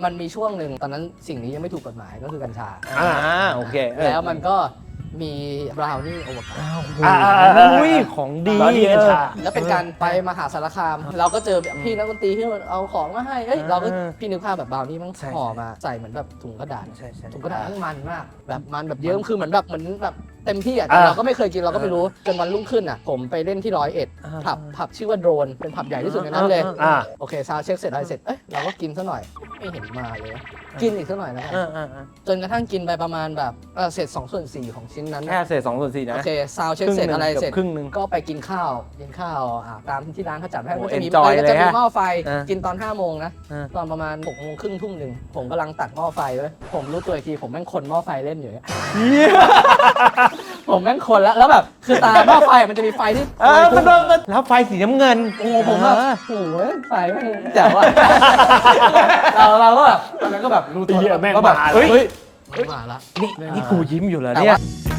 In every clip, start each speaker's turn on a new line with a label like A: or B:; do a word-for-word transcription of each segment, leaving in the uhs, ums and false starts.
A: มันมีช่วงหนึ่งตอนนั้นสิ่งนี้ยังไม่ถูกกฎหมายก็คือกัญชา
B: อ่าโอเค
A: แล้วมันก็มีบราวนี่โอเวอร์
B: อ่าอุ้ยของดี
C: กัญชา
A: แล้วเป็นการไปมหาสารคาม เราก็เจอแบบพี่นักดนตรีที่เอาของมาให้เอ้ยเราก็พี่นึกภาพแบบบราวนี่มันห่อมาใส่เหมือนแบบถุงกระดาษ
B: ใช่ใช่
A: ถุงกระดาษมันมันมากแบบมันแบบเยอะคือเหมือนแบบเหมือนแบบเต็มที่อ่ะแต่เราก็ไม่เคยกินเราก็ไม่รู้จนวันรุ่งขึ้นอ่ะผมไปเล่นที่ร้อยเอ็ดผับผับชื่อว่าโดรนเป็นผับใหญ่ที่สุดในนั้นเลย
C: อ่า
A: โอเคซาวด์เช็คเสร็จอะไรเสร็จเอ้ยเราก็กินซะหน่อยไม่เห็นมาเลย กินอีกซะหน่อยนะ
B: อ่าอ่าอ่า
A: จนกระทั่งกินไปประมาณแบบเออเสร็จสองส่วนสี่ของชิ้นนั้น
B: แค่เศษสองส่วนสี่นะ
A: โอเคซาวด์เช็คเสร็จอะไรเสร็จ
B: ครึ่งหนึ่ง
A: ก็ไปกินข้าวกินข้าวอ่าตามที่ร้านเขาจัดให้
B: โอ้
A: ก็จะมี
B: enjoy
A: ก็จะมี
B: เลยฮะ
A: หม้อไฟ
B: เออ
A: กินตอนห้าโมงนะ
B: เออ
A: ตอนประมาณหกโมงครึ่งทุ่มหนึ่งผมกำลังตัดหม้อไฟไว้ผมรู้ตัวอีกทีผมแม่งคนหม้อไฟเล่นอยู่เนี่ยผมแม่งคนแล้วแล้วแบบคือตาหม้อไฟมันจะมีไฟที่
B: เออมันมันแล้วไฟสีน้ำเงิน
A: โอ้ผมแบบโอ้โหไฟแม่งแจ๋วอะเราเราก็แบบตอนนั้นก็แบบรู้ตัว
C: เหี้ยแม่ง
A: ก็แบบ
C: มาแล้ว
A: เฮ้ยมาละ
B: นี่นี่กูยิ้มอยู่แล้ว
A: แต่
B: เนี่ย
A: ว่า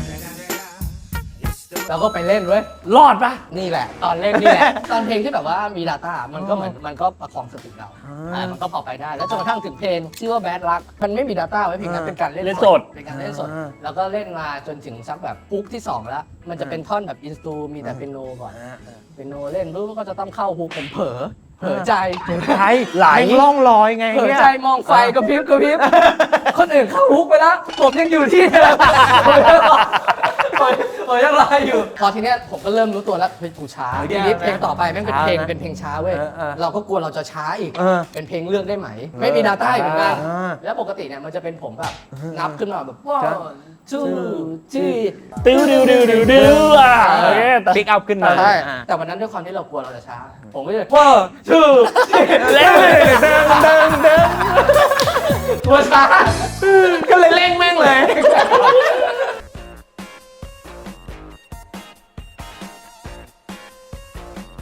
A: เราก็ไปเล่นเว้ย
C: รอดปะ
A: นี่แหละ ตอนเล่นนี่แหละ ตอนเพลงที่แบบว่ามี Data มันก็เหมือนมันก็ประคองสติเราอ่ามันก็พอไปได้ แล้วจนกระทั่งถึงเพลงชื่อว่า Bad Luck มันไม่มี Data ไว้เพลงนั้นเป็นการเล่น
C: เล่นสด
A: เป็นการเล่นสด แล้วก็เล่นมาจนถึงสักแบบปุ๊กที่สองแล้ว มันจะเป็นท่อนแบบอินสตูมีแต่เปียโนก่อนเปียโนเล่นปุ๊บก็จะต้องเข้าฮุกผมเผลอเผลอใจ
B: ใช่ไหลล่องลอยไง
A: เผลอ
B: เนี่ย
A: ใจมองไฟกระพริบกระพริบคนอื่นเข้าฮุกไปแล้วผมยังอยู่ที่เดิมผมยังรออยู่พอทีเนี้ยผมก็เริ่มรู้ตัวแล้วเฮ้ยกูช้าทีนี้เพลงต่อไปแม่งเป็นเพลงเป็นเพลงช้าเว้ยเราก็กลัวเราจะช้าอีก
B: เออ
A: เป็นเพลงเลือกได้ไหม ไม่มี Data อีกเหมือนกัน
B: อ่า
A: แล้วปกติเนี่ยมันจะเป็นผมแบบนับขึ้นมาแบบว้าวจู้จี้
C: ติ้วดิวดิวดิวดิวอ่ะโอเคแต่
B: ปิกอัพขึ้นมา
A: ใช่
B: อ่า
A: แต่วันนั้นด้วยความที่เรากลัวเราจะช้า ผมก็เลยว้าวจู้จี้
C: เล่นเลยเดินเดินเดิน
A: กลัวช้า
B: ก็เลยเร่งแม่งเลย